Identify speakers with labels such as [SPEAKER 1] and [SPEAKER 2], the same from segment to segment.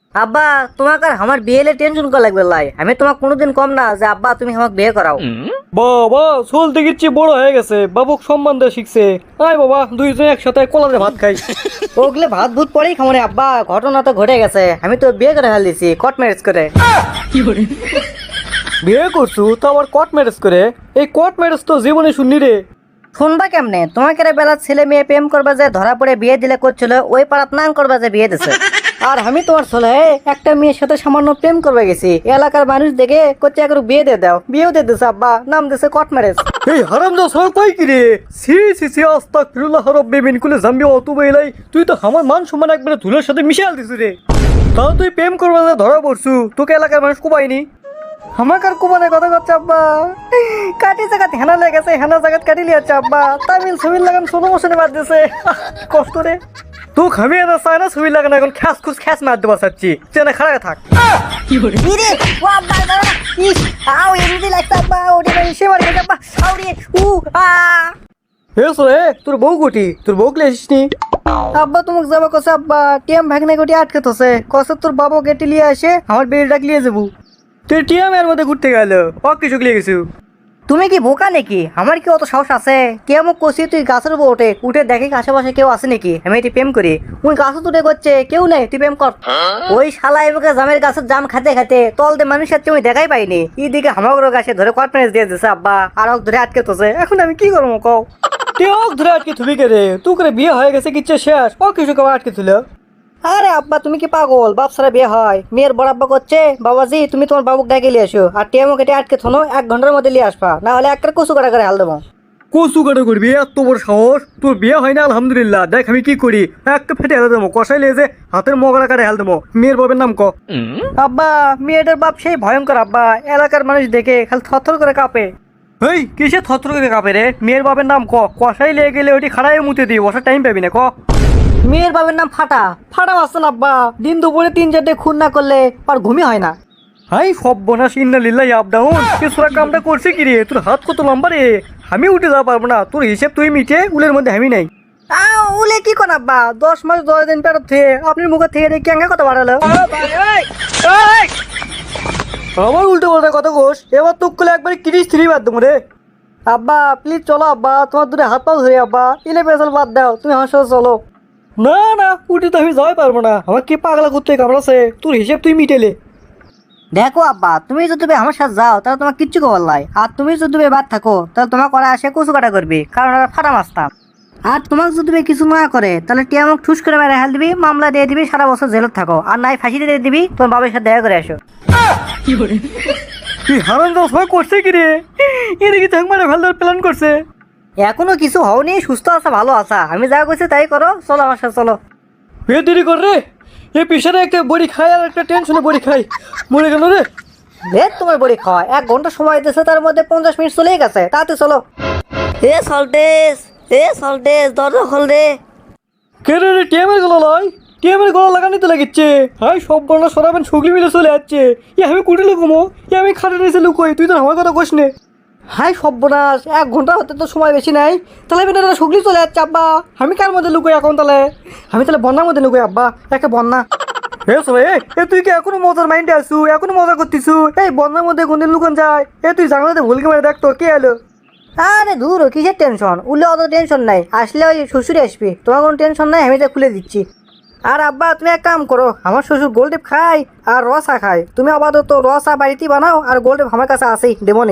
[SPEAKER 1] আব্বা তোমাকে আর আমার বিয়েলে টেনশন করা লাগবে লাই, আমি তোমাকে কোনোদিন কম না যে আব্বা তুমি আমাকে বিয়ে করাও।
[SPEAKER 2] বাবা চলতে গিচ্ছি বড় হয়ে গেছে, বাবুক সম্মান দেওয়া শিখছে। আয় বাবা দুইজন একসাথে কলাতে ভাত খাই।
[SPEAKER 1] ওগুলো ভাত ভূত পরেই খামরে আব্বা, ঘটনা তো ঘটে গেছে, আমি তো বিয়ে করে ফেল দিছি কোর্ট ম্যারেজ করে।
[SPEAKER 2] বিয়ে করছু তো আবার কোর্ট ম্যারেজ করে? এই কোর্ট ম্যারেজ তো জীবনে শুননি রে।
[SPEAKER 1] শুনবা কেমনে, তোমাকে বেলার ছেলে মেয়ে প্রেম করবা যে ধরা পড়ে বিয়ে দিলে করছিল, ওই পাড়াত নাং করবা যে বিয়ে দিছে। আর আমি তোমার ছেলে একটা মেয়ের সাথে সামান্য প্রেম করবে গেছি, এলাকার মানুষ দেখে করছে একটু বিয়ে দিয়ে দাও, বিয়েও দিয়ে দিছে আব্বা, নাম দিছে কোর্ট ম্যারেজ।
[SPEAKER 2] এই হারামদা সব কই কি রে? সি সি সি আস্তাগফিরুল্লাহ রাব্বি মিন কুল্লি যামবি ওয়া আতুবু ইলাই। তুই তো আমার মান সম্মান একবারে ধুলোর সাথে মিশাল দিছু রে। তাও তুই প্রেম করবা যে ধরা পড়ছু, তোকে এলাকার মানুষ কুবাইনি?
[SPEAKER 1] আমাকে আর কুমানের কথা করছে আব্বা, কাটি জায়গাত হেনা লেগেছে, হেনা জায়গাত কাটি লিয়াচ্ছে আব্বা, তামিল ছবির লাগান সোলো মোশনে বাদ দিছে, কষ্ট রে।
[SPEAKER 2] তো খামি না চায় না ছবি লাগে না, এখন খ্যাস খুস খ্যাস মার দেবা চাচ্ছি, চেনা খাড়া থাক।
[SPEAKER 1] ইরে ও আব্বা দাঁড়া, ইস আও এমনি লাগছে আব্বা, ওরে ভাই সে মার গেছে আব্বা, আও রে উ আ।
[SPEAKER 2] হে সোরে তোর বউ গুটি, তোর বউ কে আসিসনি?
[SPEAKER 1] আব্বা তোমাকে যাবা কসে আব্বা, টিএম ভাগনে কোটি আটকে তোছে, কসে তোর বাবা গেটি লিয়ে আসে আমার বেল ডাক লিয়ে যাবো।
[SPEAKER 2] তুই টিএম এর মধ্যে ঘুরতে গেল ও কিছু লিয়ে গেছু?
[SPEAKER 1] তুমি কি বোকা নাকি? আমার কি অত সাহস আছে? কে আমাকে কষি তুই গাছের উপর ওঠে, উঠে দেখে আশেপাশে কেউ আছে নাকি, আমি এটি প্রেম করি, ওই গাছে তুলে করছে কেউ নেই, তুই প্রেম কর। ওই শালা এবার জামের গাছের জাম খাতে খাতে তল দিয়ে মানুষের তুমি দেখাই পাইনি, এইদিকে হামাগুলো গাছে ধরে কনফারেন্স দিয়ে দিছে আব্বা, আর ওকে ধরে আটকে তোছে, এখন আমি কি করবো কও?
[SPEAKER 2] তুই ওক ধরে আটকে থুবি কে রে? তুই করে বিয়ে হয়ে গেছে কিচ্ছে শেষ, ও কিছু কেউ আটকে থুল?
[SPEAKER 1] আরে আব্বা তুমি কি পাগল, বাপ সারা বিয়ে হয়, মেয়ের বড় আব্বা করছে বাবাজি তুমি তোমার বাবুক ডাকে নিয়ে আসো, আর টিএমও কেটে আটকে থনো 1 ঘন্টার মধ্যে নিয়ে আসবা, না হলে একটা কচু কাটা করে হাল দেবো।
[SPEAKER 2] কচু কাটা করবি? এত বড় সাহস তোর? বিয়ে হয় না আলহামদুলিল্লাহ, দেখ আমি কি করি, একটা ফেটে হেলে দেবো, কষাই লেগে হাতের মগরা কাটে হেল দেবো। মেয়ের বাবের নাম ক।
[SPEAKER 1] আব্বা মেয়েটার বাপ সেই ভয়ঙ্কর আব্বা, এলাকার মানুষ দেখে খালি থরথর করে কাঁপে।
[SPEAKER 2] এই কিসে থত্র করে কাঁপে রে? মেয়ের বাবের নাম ক, কষাই লেগে গেলে ওটি খাড়াই মুতে দিই, বসার টাইম পাবি না ক।
[SPEAKER 1] মেয়ের বাবার নাম ফাটা, ফাটা মাস্তান আব্বা, দিন দুপুরে 3-4টে খুন না করলে আর ঘুমই হয় না।
[SPEAKER 2] হাই সব বোনাস ইন্না লিল্লাহি আপ ডাউন, কিছুরা কামটা করছে কি রে? তোর হাত কত লম্বা রে, আমি উঠে যাওয়া পারবো না, তোর হিসেব তুই মিটে, উলের মধ্যে আমি নাই।
[SPEAKER 1] উলে কি কোন আব্বা, 10 মাস 10 দিন পেরত থেকে আপনি মুখে থেকে দেখি কেঙ্গা কথা বাড়ালো।
[SPEAKER 2] আবার উল্টো পাল্টা কথা কোস, এবার তুক করলে একবারে 33 বাদ দেবো রে।
[SPEAKER 1] আব্বা প্লিজ চলো আব্বা, তোমার দূরে হাত পাও ধরে আব্বা, ইলে পেছাল বাদ দাও, তুমি আমার সাথে চলো।
[SPEAKER 2] না না উঠে তো আমি যাই পারবো না, আমার কি পাগলা করতে কামড়াছে, তোর হিসেব তুই মিটেলে।
[SPEAKER 1] দেখো আব্বা তুমি যদি আমার সাথে যাও তাহলে তোমার কিচ্ছু খবর নাই, আর তুমি যদি বাদ থাকো তাহলে তোমার করা আসে কচু কাটা করবি, কারণ ওরা ফাটা মাস্তান। আর তোমাকে যদি কিছু না করে তাহলে টিয়া আমাকে ঠুস করে মেরে হেল দিবি, মামলা দিয়ে দিবি, সারা বছর জেলত থাকো, আর নাই ফাঁসি দিয়ে দিবি, তোমার বাবার সাথে দেখা করে আসো।
[SPEAKER 2] তুই হারান দাস ভয় করছে কি রে? এদিকে থাক মারে ফেলার প্ল্যান করছে।
[SPEAKER 1] এখনো কিছু হওনি, সুস্থ আছা ভালো আছা, আমি যা করছি তাই করো, চলো আমার সাথে চলো।
[SPEAKER 2] এ দেরি কর রে, এ পিছনে একটা বড়ি খাই আর একটা টেনশনে বড়ি খাই, মরে গেল রে।
[SPEAKER 1] লেট তোমার বড়ি খাওয়া, 1 ঘন্টা সময় দিয়েছে, তার মধ্যে 50 মিনিট চলেই গেছে, তাতে চলো। সল্টেস দরজা খোল রে।
[SPEAKER 2] কে রে রে? টিএমের গলা লয়, টিএমের গলা লাগানি তো লাগিচ্ছে। হাই সব বর্ণা সরাবেন সুগলি মিলে চলে যাচ্ছে। ই আমি কুটি লুকুমো, ই আমি খাটে নিয়েছে লুকোই, তুই তো আমার কথা কোস নে।
[SPEAKER 1] হাই সর্বনাশ, 1 ঘন্টা হতে তো সময় বেশি নাই, তাহলে বেটা শুকলি চলে যাচ্ছে আব্বা, আমি কার মধ্যে লুকোই এখন তাহলে? আমি তাহলে বন্যার মধ্যে লুকোই আব্বা, একটা বন্যা।
[SPEAKER 2] এ সবাই এ তুই কি এখনো মজার মাইন্ডে আসু, এখনো মজা করতিছু? এই বন্যার মধ্যে কোনদিন লুকন যায়? এ তুই জানাতে ভুলকে মারে দেখ তো কে এলো।
[SPEAKER 1] আরে দূর কিসের টেনশন, উঠলে অত টেনশন নাই, আসলে ওই শ্বশুরে আসবি, তোমার কোনো টেনশন নাই, আমি তো খুলে দিচ্ছি। আর আব্বা তুমি এক কাম করো, আমার শ্বশুর গোলটেপ খায় আর রসা খায়, তুমি আপাতত রসা বাড়িতেই বানাও, আর গোলটেপ আমার কাছে আসেই দেবনি।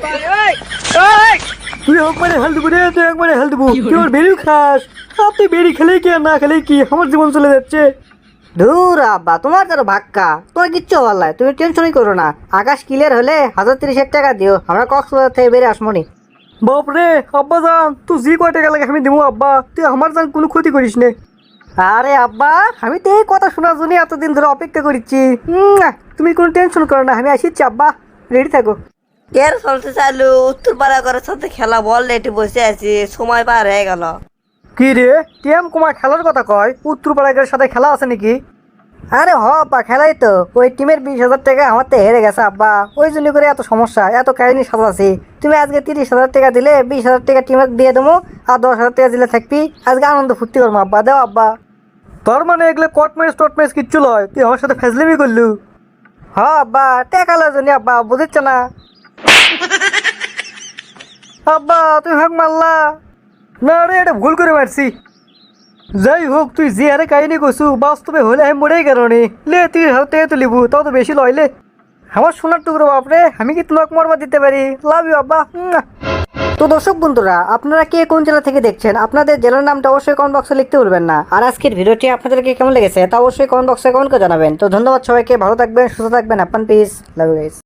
[SPEAKER 2] তুই একবারে হেল দেবো রে, তুই একবারে হেল দেবো, তুই ওর বেরিও খাস। আর তুই বেরি খেলে কি আর না খেলে কি, আমার জীবন চলে যাচ্ছে।
[SPEAKER 1] ধুর আব্বা তোমার তার ভাক্কা, তোমার কিচ্ছু হওয়ার নাই, তুমি টেনশনই করো না, আকাশ ক্লিয়ার হলে 1030 টাকা দিও, আমরা কক্সবাজার থেকে বেরিয়ে আসমনি।
[SPEAKER 2] বাপরে আব্বা জান, তুই যে কয় টাকা লাগে আমি দেবো আব্বা, তুই আমার জান কোনো ক্ষতি করিস নে।
[SPEAKER 1] আরে আব্বা আমি তো এই কথা শোনার জন্য এতদিন ধরে অপেক্ষা করছি, তুমি কোনো টেনশন করো না, আমি আসিচ্ছি আব্বা, রেডি থাকো।
[SPEAKER 3] এর চলতে চালু উত্তর পাড়া করে সাথে খেলা বল লেটে বসে আছি, সময় পার হয়ে গেল।
[SPEAKER 2] কি রে টিএম কুমার খেলার কথা কয়? উত্তর পাড়াগের সাথে খেলা আছে নাকি?
[SPEAKER 1] আরে আব্বা খেলাই তো, ওই টিমের 20,000 টাকা আমার তো হেরে গেছে আব্বা, ওই জন্য করে এত সমস্যা, এত কাহিনী সাজাছি। তুমি আজকে 30,000 টাকা দিলে 20,000 টাকা টিমের দিয়ে দেবো, আর 10,000 টাকা দিলে থাকবি, আজকে আনন্দ ফুর্তি করবো আব্বা, দাও আব্বা।
[SPEAKER 2] তোর মানে এগুলো কট ম্যাচ কিচ্ছু লয়, তুই আমার সাথে ফেজলিমি করলু।
[SPEAKER 1] হ্যাঁ আব্বা টাকা লজনি আব্বা বুঝিচ্ছ না।
[SPEAKER 2] আব্বা তুই হাঁক মারলা। না রে, এটা ভুল করে মারছি। যাই হোক, তুই যে হারে কাহিনী করছু বাস্তবে হলে আমি মরেই কারণে লে 30,000 টাকা তো লিবু, তাও তো বেশি লইলে।
[SPEAKER 1] আমার সোনার টুকরো বাপরে, আমি কি তোমাকে মরবা দিতে পারি? লাভ ইউ আব্বা। তো দর্শক বন্ধুরা, আপনারা কে কোন জেলা থেকে দেখছেন, আপনাদের জেলার নামটা অবশ্যই কমেন্ট বক্সে লিখতে ভুলবেন না। আর আজকের ভিডিওটি আপনাদেরকে কেমন লেগেছে তা অবশ্যই কমেন্ট বক্সে কমেন্ট করে জানাবেন। তো ধন্যবাদ সবাইকে, ভালো থাকবেন, সুস্থ থাকবেন, আপনার পিস, লাভ ইউ গাইস।